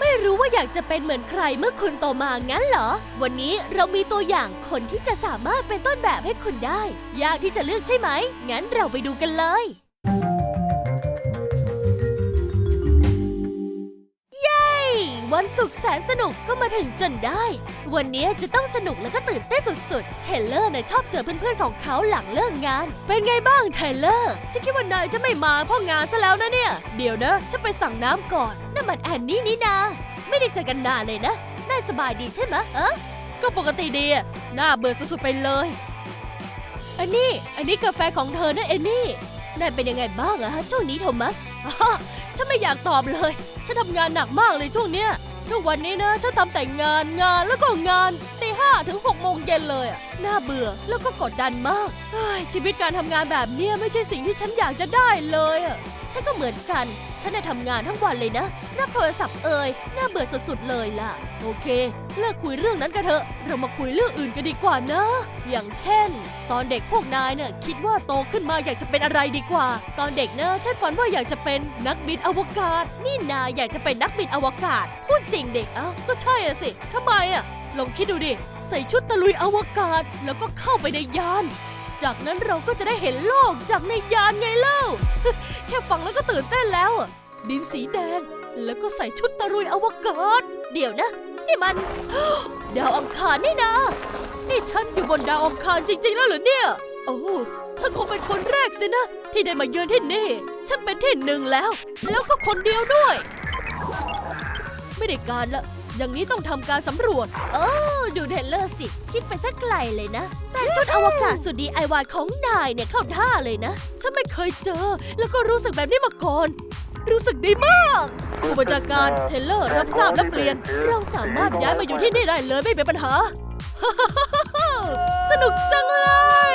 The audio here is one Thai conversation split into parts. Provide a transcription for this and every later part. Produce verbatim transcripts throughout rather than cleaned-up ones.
ไม่รู้ว่าอยากจะเป็นเหมือนใครเมื่อคุณโตมางั้นเหรอวันนี้เรามีตัวอย่างคนที่จะสามารถเป็นต้นแบบให้คุณได้ยากที่จะเลือกใช่ไหมงั้นเราไปดูกันเลยวันศุกร์แสนสนุกก็มาถึงจนได้วันนี้จะต้องสนุกและก็ตื่นเต้นสุดๆเทเลอร์น่ะชอบเจอเพื่อนๆของเขาหลังเลิกงานเป็นไงบ้างเทเลอร์ฉันคิดว่านายจะไม่มาเพราะงานซะแล้วนะเนี่ยเดี๋ยวนะฉันไปสั่งน้ำก่อนนั่นมันแอนนี่นี่นาไม่ได้เจอกันนานเลยนะนายสบายดีใช่ไหมเออก็ปกติดีอะน่าเบื่อสุดๆไปเลยอันนี้อันนี้กาแฟของเธอนะเอนนี่นายเป็นยังไงบ้างอะฮะช่วงนี้โทมัสฉันไม่อยากตอบเลยฉันทำงานหนักมากเลยช่วงเนี้ยทุกวันนี้นะฉันทำแต่งานงานแล้วก็งานตีห้าถึงหกโมงเย็นเลยอ่ะน่าเบื่อแล้วก็กดดันมากชีวิตการทำงานแบบนี้ไม่ใช่สิ่งที่ฉันอยากจะได้เลยอ่ะฉันก็เหมือนกันฉันได้ทำงานทั้งวันเลยนะรับโทรศัพท์เอ่ยน่าเบื่อสุดๆเลยล่ะโอเคเลิกคุยเรื่องนั้นกันเถอะเรามาคุยเรื่องอื่นกันดีกว่านะอย่างเช่นตอนเด็กพวกนายเนี่ยคิดว่าโตขึ้นมาอยากจะเป็นอะไรดีกว่าตอนเด็กนะฉันฝันว่าอยากจะเป็นนักบินอวกาศนี่นายอยากจะเป็นนักบินอวกาศพูดจริงเด็กเอ้าก็ใช่อะสิทำไมอะลองคิดดูดิใส่ชุดตะลุยอวกาศแล้วก็เข้าไปในยานจากนั้นเราก็จะได้เห็นโลกจากในยานไงเล่า แค่ฟังแล้วก็ตื่นเต้นแล้วดินสีแดงแล้วก็ใส่ชุดตะลุยอวกาศเดี๋ยวนะนี่มัน ดาวอังคารนี่นะนี่ฉันอยู่บนดาวอังคารจริงๆแล้วเหรอเนี่ยโอ้ฉันคงเป็นคนแรกสินะที่ได้มาเยือนที่นี่ฉันเป็นที่หนึ่งแล้วแล้วก็คนเดียวด้วยไม่ได้การละอย่างนี้ต้องทำการสำรวจโอ้ดูเทเลอร์สิคิดไปสักไกลเลยนะแต่ชุดอวกาศสุดดีไอวายของนายเนี่ยเข้าท่าเลยนะฉันไม่เคยเจอแล้วก็รู้สึกแบบนี้มาก่อนรู้สึกดีมากผู้บัญชาการเทเลอร์รับทราบและเปลี่ยนเราสามารถย้ายมาอยู่ที่นี่ได้เลยไม่เป็นปัญหา สนุกจังเลย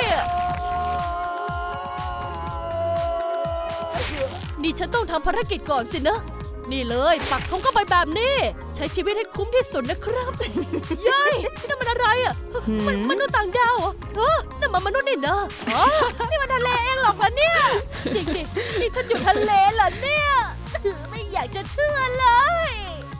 นี่ฉันต้องทำภารกิจก่อนสินะนี่เลยปักธงเข้าไปแบบนี้ใช้ชีวิตให้คุ้มที่สุดนะครับ เย้ยนั่นมันอะไรอ่ะมันมนุษย์ต่างดาวเหรอเออนั่นมันมนุษย์นี่นะอ๋อนี่มันทะเลเองหรอกเหรอเนี่ยจริงดินี่ฉันอยู่ทะเลเหรอเนี่ยไม่อยากจะเชื่อเลย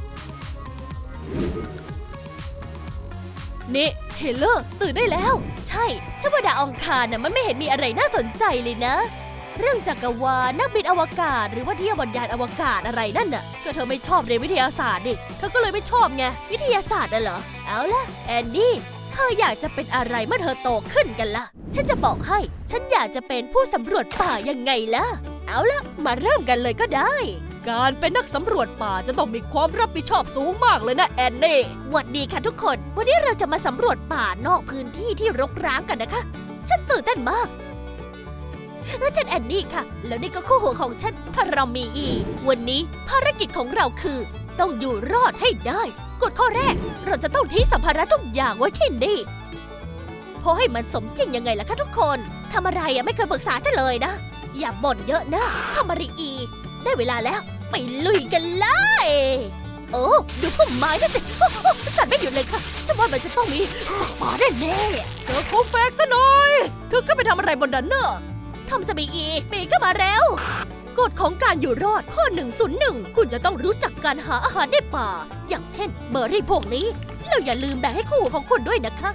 นี่เทเลอร์ตื่นได้แล้วใช่ฉันว่าดาวอังคารน่ะมันไม่เห็นมีอะไรน่าสนใจเลยนะเรื่องจักรวาลนักบินอวกาศหรือว่าเที่ยวบนยานอวกาศอะไรนั่นน่ะก็เธอไม่ชอบเรียนวิทยาศาสตร์ดิเธอก็เลยไม่ชอบไงวิทยาศาสตร์น่ะเหรอเอาล่ะแอนนี่เธออยากจะเป็นอะไรเมื่อเธอโตขึ้นกันล่ะฉันจะบอกให้ฉันอยากจะเป็นผู้สำรวจป่ายังไงล่ะเอาล่ะมาเริ่มกันเลยก็ได้การเป็นนักสำรวจป่าจะต้องมีความรับผิดชอบสูงมากเลยนะแอนนี่หวัดดีค่ะทุกคนวันนี้เราจะมาสำรวจป่านอกพื้นที่ที่รกร้างกันนะคะฉันตื่นเต้นมากฉันแอนนี่ค่ะแล้วนี่ก็คู่หูของฉันคารามีอีวันนี้ภารกิจของเราคือต้องอยู่รอดให้ได้กฎข้อแรกเราจะต้องทิ้งสัมภาระทุกอย่างไว้ที่นี่พอให้มันสมจริงยังไงล่ะคะทุกคนทำอะไรอะไม่เคยปรึกษาฉันเลยนะอย่าบ่นเยอะนะคามารีอีได้เวลาแล้วไปลุยกันเลยโอ้ดูพุ่มไม้นั่นสิสั่นไม่หยุดเลยค่ะฉันว่ามันจะต้องมีสัตว์ป่าแน่ๆเธอคงแฟกซะหน่อยเธอก็ไปทำอะไรบนนั้นเนอะทอมสบีอีปีนขึ้นมาเร็วกฎของการอยู่รอดข้อหนึ่งศูนย์หนึ่งคุณจะต้องรู้จักการหาอาหารในป่าอย่างเช่นเบอร์รี่พวกนี้แล้วอย่าลืมแบ่งให้คู่ของคุณด้วยนะคะ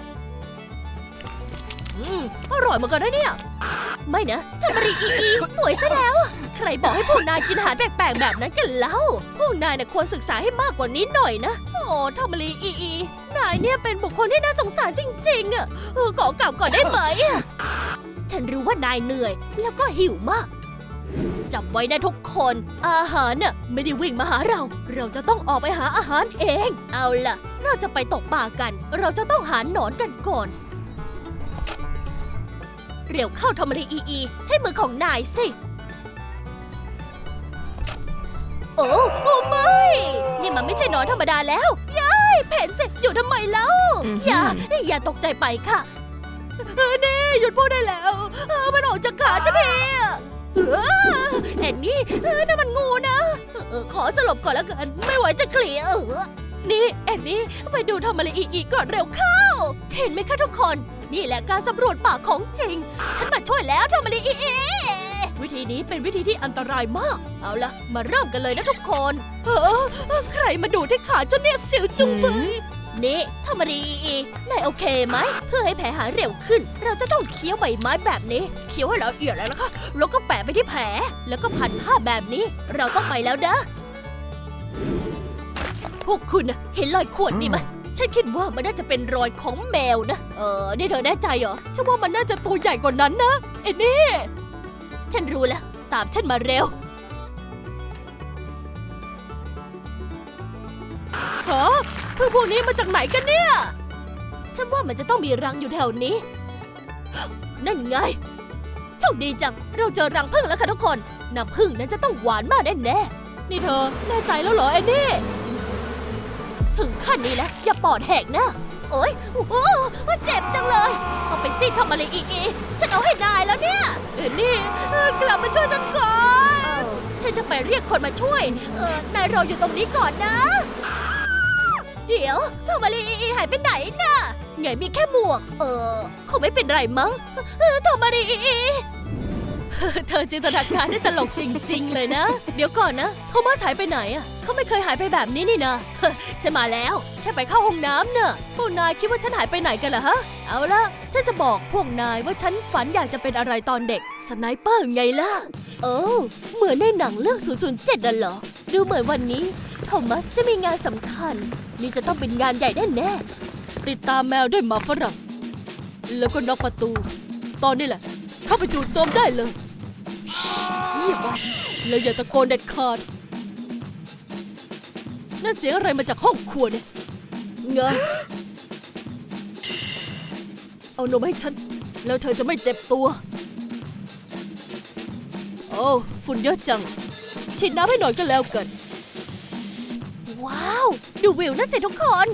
อืมอร่อยเหมือนกันนะเนี่ยไม่นะทำมารีอีอีป่วยซะแล้วใครบอกให้พวกนายกินอาหารแปลกๆแบบนั้นกันเล่าพวกนายน่ะควรศึกษาให้มากกว่านี้หน่อยนะโอ้ทำมารีอีอีนายเนี่ยเป็นบุคคลที่น่าสงสารจริงๆอ่ะขอกลับก่อนได้ไหมฉันรู้ว่านายเหนื่อยแล้วก็หิวมากจำไว้นะทุกคนอาหารน่ะไม่ได้วิ่งมาหาเราเราจะต้องออกไปหาอาหารเองเอาล่ะเราจะไปตกปลากันเราจะต้องหาหนอนกันก่อนเร็วเข้าทอมรีอีอีใช้มือของนายสิโอ้โอ้ไม่นี่มันไม่ใช่หนอนธรรมดาแล้วย้ายแผ่นเสร็จอยู่ทำไมเล่าอย่าอย่าตกใจไปค่ะเออนี่หยุดพูดได้แล้วเออมันออกจากขาฉันเองเออแอนนี่เออนั่นมันงูนะเออขอสลบก่อนแล้วกันไม่ไหวจะเคลียร์เออนี่แอนนี่ไปดูทอมรีอีอีก่อนเร็วเข้าเห็นไหมคะทุกคนนี่แหละการสำรวจป่าของจริงฉันมาช่วยแล้วเธอมาลีอีอีวิธีนี้เป็นวิธีที่อันตรายมากเอาล่ะมาเริ่มกันเลยนะทุกคนเออใครมาดูที่ขาฉันเนี่ยสิวจุงเบยนี่ทำมาดีอีนายโอเคไหมเพื่อให้แผลหายเร็วขึ้นเราจะต้องเคี้ยวใบไม้แบบนี้เคี้ยวให้ละเอียดเลยนะคะแล้วก็แปะไปที่แผลแล้วก็พันผ้าแบบนี้เราต้องไปแล้วนะพวกคุณนะเห็นรอยข่วนนี่ไหมฉันคิดว่ามันน่าจะเป็นรอยของแมวนะเออนี่เธอแน่ใจเหรอฉันว่ามันน่าจะตัวใหญ่กว่านั้นนะเอ็นนี่ฉันรู้แล้วตามฉันมาเร็วฮะพึ่งพวกนี้มาจากไหนกันเนี่ยฉันว่ามันจะต้องมีรังอยู่แถวนี้นั่นไงโชคดีจังเราเจอรังผึ้งแล้วค่ะทุกคนน้ำผึ้งนั้นจะต้องหวานมากแน่แน่นี่เธอแน่ใจแล้วเหรอเอ็นนี่ถึงขั้นนี้แล้วอย่าปอดแหกนะโอ๊ยโอ้เจ็บจังเลยเอาไปสิทำอะไรอีอีฉันเอาให้นายแล้วเนี่ยเอ็นนี่กลับมาช่วยฉันก่อนฉันจะไปเรียกคนมาช่วยเออนายรออยู่ตรงนี้ก่อนนะเดี๋ยวทำอะไรอีหายไปไหนน่ะไงมีแค่หมวกเออคงไม่เป็นไรมั้งทำอะไรอีเธอจินตนาการได้ตลกจริงๆเลยนะเดี๋ยวก่อนนะโทมัสหายไปไหนอ่ะเขาไม่เคยหายไปแบบนี้นี่นะจะมาแล้วแค่ไปเข้าห้องน้ำเนอะพวกนายคิดว่าฉันหายไปไหนกันเหรอฮะเอาล่ะฉันจะบอกพวกนายว่าฉันฝันอยากจะเป็นอะไรตอนเด็กสไนเปอร์ไงล่ะโอ้เหมือนในหนังเรื่องศูนย์ ศูนย์ เจ็ดน่ะเหรอดูเหมือนวันนี้โทมัสจะมีงานสำคัญนี่จะต้องเป็นงานใหญ่แน่ๆติดตามแมวด้วยหมาฝรั่งแล้วก็น็อกประตูตอนนี้แหละเข้าไปจู่โจมได้เลยเงียบไว้แล้วอย่าตะโกนเด็ดขาดนั่นเสียงอะไรมาจากห้องครัวเนี่ยไงเอานมให้ฉันแล้วเธอจะไม่เจ็บตัวโอ้ฝุ่นเยอะจังฉีดน้ำให้หน่อยก็แล้วกันว้าวดูวิวนั่นสิทุกคน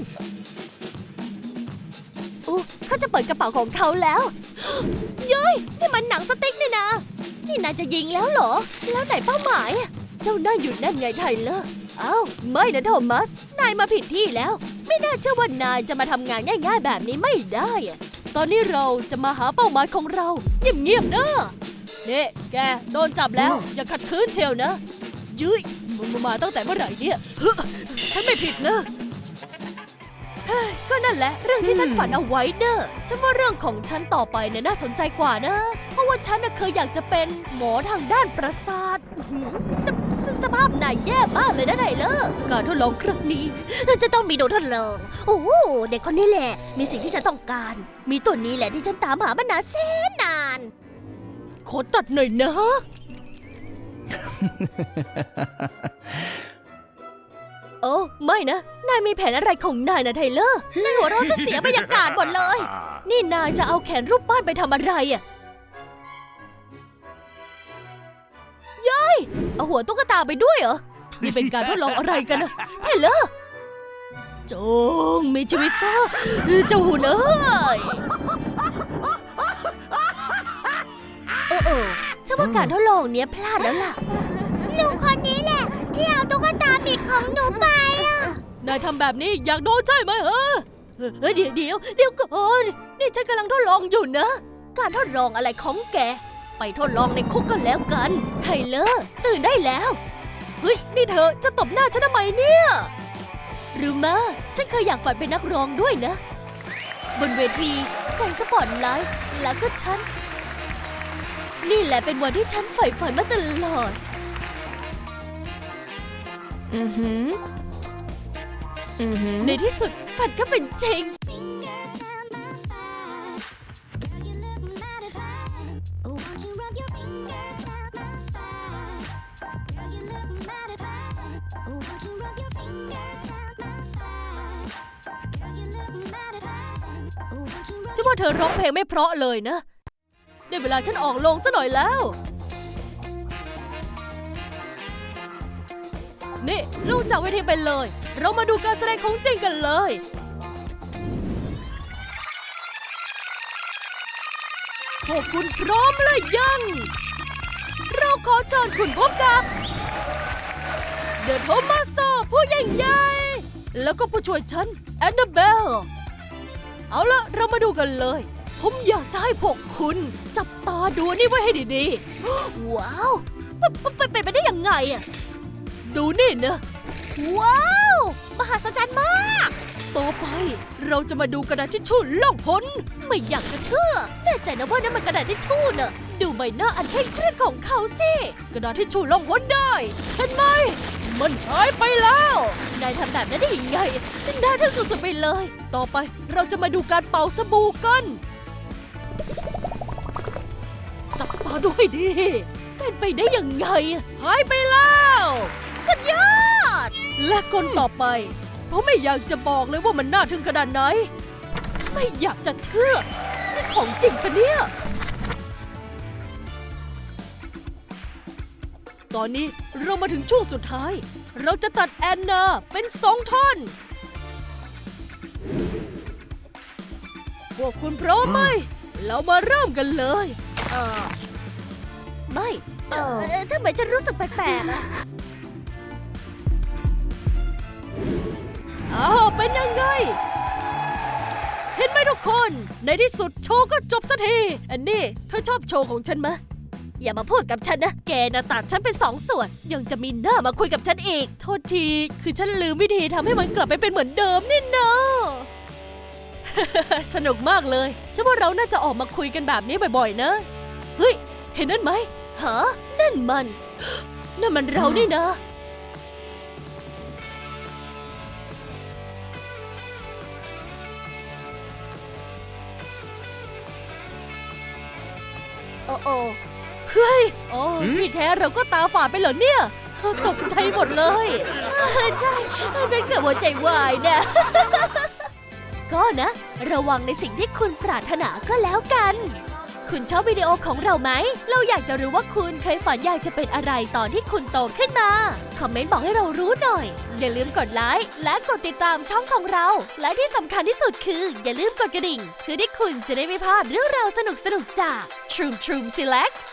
อู้เขาจะเปิดกระเป๋าของเขาแล้วเย้ยนี่มันหนังสติ๊กนี่นะนี่นายจะยิงแล้วเหรอแล้วไหนเป้าหมายเจ้านั่งอยู่นั่นไงไทเลอร์อ้าวไม่นะโทมัสนายมาผิดที่แล้วไม่น่าเชื่อว่านายจะมาทำงานง่ายๆแบบนี้ไม่ได้ตอนนี้เราจะมาหาเป้าหมายของเราเงียบๆนะนี่แกโดนจับแล้วอย่าขัดขืนเชียวนะยื้ยมึงมาตั้งแต่เมื่อไหร่เนี่ยฉันไม่ผิดนะก็นั่นแหละเรื่องที่ฉันฝันเอาไว้เนอะฉันว่าเรื่องของฉันต่อไปเนี่ยน่าสนใจกว่านะเพราะว่าฉันน่ะเคยอยากจะเป็นหมอทางด้านประสาทสสสภาพนายแย่มากเลยนะไทเลอร์การทดลองครั้งนี้จะต้องมีโดนทดลองโอ้เด็กคนนี้แหละมีสิ่งที่ฉันต้องการมีตัวนี้แหละที่ฉันตามหามานานแสนนานขอตัดหน่อยนะ โอ้ไม่นะนายมีแผนอะไรของนายนะไทเลอร์นายหัวเราะเสียบรรยากาศหมดเลยนี่นายจะเอาแขนรูปปั้นไปทำอะไรอ่ะย้ยเอาหัวตุ๊กตาไปด้วยเหรอนี่เป็นการทดลองอะไรกันนะไทเลอร์จงมีชีวิตซะเจ้าหุ่นเอ้ยเออเออฉันว่าการทดลองเนี้ยพลาดแล้วล่ะลูกคนนี้แหละที่เอาตุ๊กตาปีกของหนูไปอ่ะนายทำแบบนี้อยากโดนใช่ไหมเออเดี๋ยวเดี๋ยวเดี๋ยวก่อนนี่ฉันกำลังทดลองอยู่นะการทดลองอะไรของแกไปทดลองในคุกกันแล้วกันไทเลอร์ตื่นได้แล้วเฮ้ยนี่เธอจะตบหน้าฉันทำไมเนี่ยรู้มั้ยฉันเคยอยากฝันเป็นนักร้องด้วยนะบนเวทีแสงสปอตไลท์แล้วก็ฉันนี่แหละเป็นวันที่ฉันใฝ่ฝันมาตลอดอือหืออือหือในที่สุดฝันก็เป็นจริงจะว่าเธอร้องเพลงไม่เพราะเลยนะได้เวลาฉันออกโรงซะหน่อยแล้วนี่ลงจากเวทีไปเลยเรามาดูการแสดงของจริงกันเลยพวกคุณพร้อมหรือยังเราขอเชิญคุณพบกับเดอะโทมัสผู้ยิ่งใหญ่แล้วก็ผู้ช่วยฉันแอนนาเบลเอาละเรามาดูกันเลยผมอยากจะให้พวกคุณจับตาดูนี่ไว้ให้ดีๆ ว้าวเป็นไปได้ยังไงอะดูนี่นะว้าวมหัศจรรย์มากต่อไปเราจะมาดูกระดาษทิชชู่ล่องหนไม่อยากจะเชื่อแน่ใจนะว่านั่นมันกระดาษทิชชู่น่ะดูใบหน้าอันเคร่งเครียดของเขาสิกระดาษทิชชู่ล่องหนได้เห็นไหมมันหายไปแล้วนายทำแบบนั้นได้ยังไงน่าทึ่งสุดๆไปเลยต่อไปเราจะมาดูการเป่าสบู่กันจับตาดูให้ดีเป็นไปได้ยังไงหายไปแล้วสุดยอดและคนต่อไปผมไม่อยากจะบอกเลยว่ามันน่าทึ่งขนาดไหนไม่อยากจะเชื่อนี่ของจริงปะเนี่ยตอนนี้เรามาถึงช่วงสุดท้ายเราจะตัดแอนนาเป็นสองท่อนพวกคุณพร้อมไหมเรามาเริ่มกันเลยเออไม่เออทำไมฉันรู้สึกแปลกๆอะอ้าวเป็นยังไงเห็นไหมทุกคนในที่สุดโชว์ก็จบสักทีอันนี้เธอชอบโชว์ของฉันไหมอย่ามาพูดกับฉันนะแกน่ะตัดฉันเป็นสองส่วนยังจะมีหน้ามาคุยกับฉันอีกโทษทีคือฉันลืมวิธีทำให้มันกลับไปเป็นเหมือนเดิมนี่นะ สนุกมากเลยฉันว่าเราน่าจะออกมาคุยกันแบบนี้บ่อยๆนะเฮ้ยเห็นนั่นไหมฮะนั่นมัน นั่นมันเรานี่นะโอ้โอ้เฮ้ยโอ้ที่แท้เราก็ตาฝาดไปเหรอเนี่ยตกใจหมดเลยใช่ฉันเกือบหัวใจวายเนี่ย ก็นะระวังในสิ่งที่คุณปรารถนาก็แล้วกันคุณชอบวิดีโอของเราไหมเราอยากจะรู้ว่าคุณเคยฝันอยากจะเป็นอะไรตอนที่คุณโตขึ้นมาคอมเมนต์บอกให้เรารู้หน่อยอย่าลืมกดไลค์และกดติดตามช่องของเราและที่สำคัญที่สุดคืออย่าลืมกดกระดิ่งคือที่คุณจะได้ไม่พลาดเรื่องราวสนุกๆจาก Troom Troom Select